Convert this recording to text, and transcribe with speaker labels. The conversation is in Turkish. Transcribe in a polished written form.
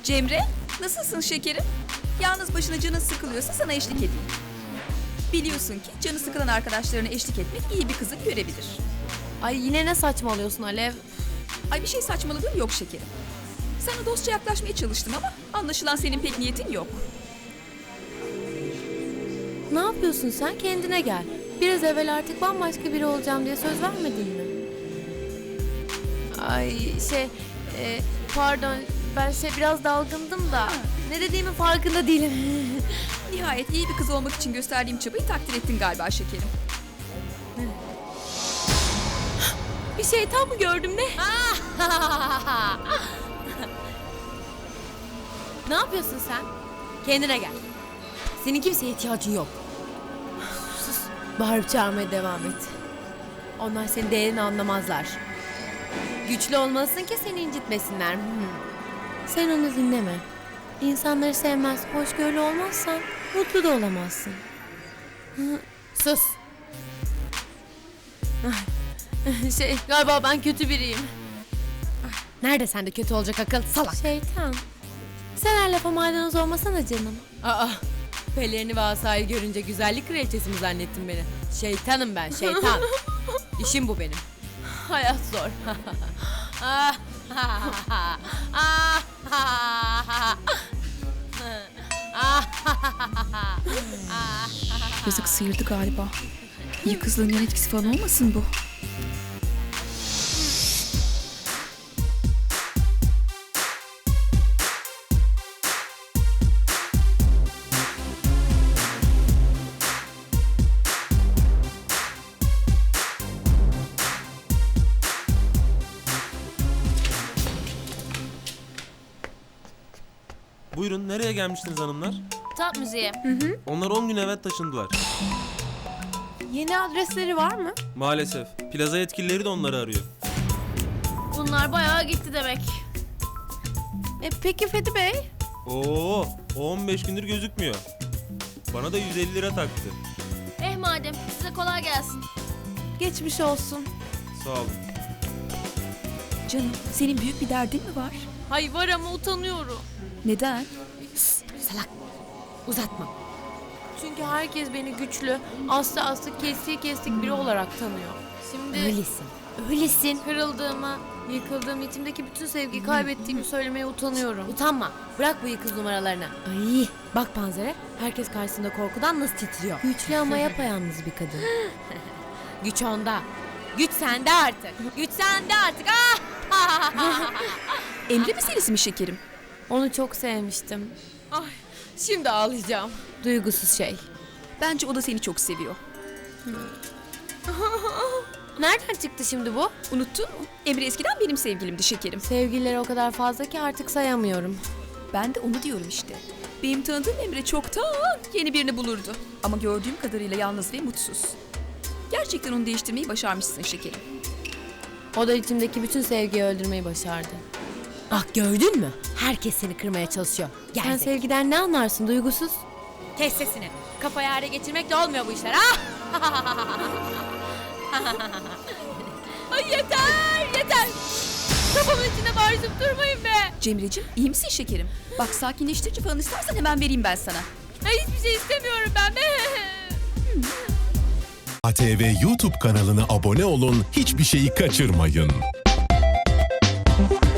Speaker 1: Cemre, nasılsın şekerim? Yalnız başına canın sıkılıyorsa sana eşlik edeyim. Biliyorsun ki canı sıkılan arkadaşlarına eşlik etmek iyi bir kızın görebilir.
Speaker 2: Ay yine ne saçmalıyorsun Alev?
Speaker 1: Ay bir şey saçmaladığım yok şekerim. Sana dostça yaklaşmaya çalıştım ama anlaşılan senin pek niyetin yok.
Speaker 2: Ne yapıyorsun sen? Kendine gel. Biraz evvel artık bambaşka biri olacağım diye söz vermedin mi? Ay pardon ben biraz dalgındım da ne dediğimin farkında değilim.
Speaker 1: Nihayet iyi bir kız olmak için gösterdiğim çabayı takdir ettin galiba şekerim.
Speaker 2: Bir şeytan mı gördüm ne? Ne yapıyorsun sen? Kendine gel. Senin kimseye ihtiyacın yok. Sus. Bağırıp çağırmaya devam et. Onlar senin değerini anlamazlar. Güçlü olmalısın ki seni incitmesinler. Sen onu dinleme. İnsanları sevmez, hoşgörülü olmazsan mutlu da olamazsın. Sus. Galiba ben kötü biriyim. Nerede sende kötü olacak akıl salak? Şeytan. Sen her lafa maydanoz olmasana canım. Aa, pelerini ve asayı görünce güzellik kraliçesi mi zannettin beni? Şeytanım ben, şeytan. İşim bu benim. Hayat zor.
Speaker 1: Yazık sıyırdı galiba. İyi kızlığın yan etkisi falan olmasın bu?
Speaker 3: Buyurun, nereye gelmiştiniz hanımlar?
Speaker 2: Tat müziği.
Speaker 3: Onlar 10 gün evvel taşındılar.
Speaker 2: Yeni adresleri var mı?
Speaker 3: Maalesef. Plaza yetkilileri de onları arıyor.
Speaker 2: Bunlar bayağı gitti demek. Peki Fethi Bey?
Speaker 3: Oo, o 15 gündür gözükmüyor. Bana da 150 lira taktı.
Speaker 2: Madem size kolay gelsin. Geçmiş olsun.
Speaker 3: Sağ olun.
Speaker 1: Canım, senin büyük bir derdin mi var?
Speaker 2: Hay var ama utanıyorum.
Speaker 1: Neden?
Speaker 2: Salak. Uzatma. Çünkü herkes beni güçlü, aslı kestik biri olarak tanıyor. Şimdi öylesin. Kırıldığımı, yıkıldığım, içimdeki bütün sevgiyi kaybettiğimi söylemeye utanıyorum. Utanma. Bırak bu yıkız numaralarını. Ay, bak Panzer'e. Herkes karşısında korkudan nasıl titriyor. Güçlü ama yapayalnız bir kadın. Güç onda. Güç sende artık. Güç sende artık.
Speaker 1: Emre meselesi mi şekerim?
Speaker 2: Onu çok sevmiştim. Ay, şimdi ağlayacağım. Duygusuz şey.
Speaker 1: Bence o da seni çok seviyor.
Speaker 2: Nereden çıktı şimdi bu?
Speaker 1: Unuttun mu? Emre eskiden benim sevgilimdi şekerim.
Speaker 2: Sevgilileri o kadar fazla ki artık sayamıyorum.
Speaker 1: Ben de onu diyorum işte. Benim tanıdığım Emre çoktan yeni birini bulurdu. Ama gördüğüm kadarıyla yalnız ve mutsuz. Gerçekten onu değiştirmeyi başarmışsın şekerim.
Speaker 2: O da içimdeki bütün sevgiyi öldürmeyi başardı. Ah gördün mü? Herkes seni kırmaya çalışıyor. Sen sevgiden ne anlarsın duygusuz? Kes sesini. Kafayı hale geçirmekle olmuyor bu işler. Ay yeter. Kafamın içine bağırıp durmayın be.
Speaker 1: Cemre'cim iyi misin şekerim? Bak sakinleştirici falan istersen hemen vereyim ben sana.
Speaker 2: Ay, hiçbir şey istemiyorum ben be.
Speaker 4: ATV YouTube kanalına abone olun, hiçbir şeyi kaçırmayın.